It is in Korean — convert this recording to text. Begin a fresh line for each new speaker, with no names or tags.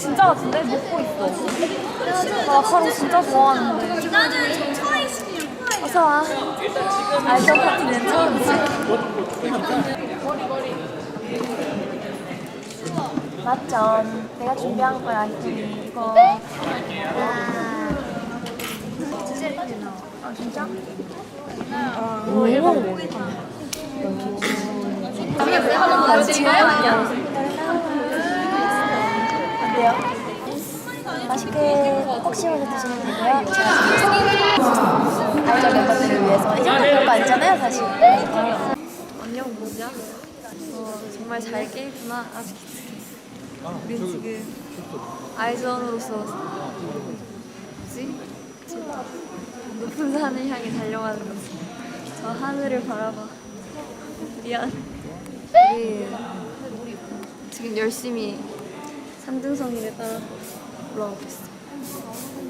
진짜 같은데? 먹고 있어. 나 마카롱 진짜 좋아하는데.
나는 트와이스
어서와. 알죠 파티는 처음이지. 맞죠. 내가 준비한 거야 아이템이 이거. 아 진짜? 이거 일본 고기. 아 진짜요? 어때요? 맛있게 폭식으로 드시면 되고요. 알죠 멤버들을 위해서. 이 정도 별거 아니잖아요 사실. 안녕 뭐냐? 정말 잘 깨구나. 아직 우리 지금 아이즈원으로서 뭐지? 높은 산을 향해 달려가는 거지. 저 하늘을 바라봐. 미안. 우리 지금 열심히 산등성이를 따라 올라가고 있어.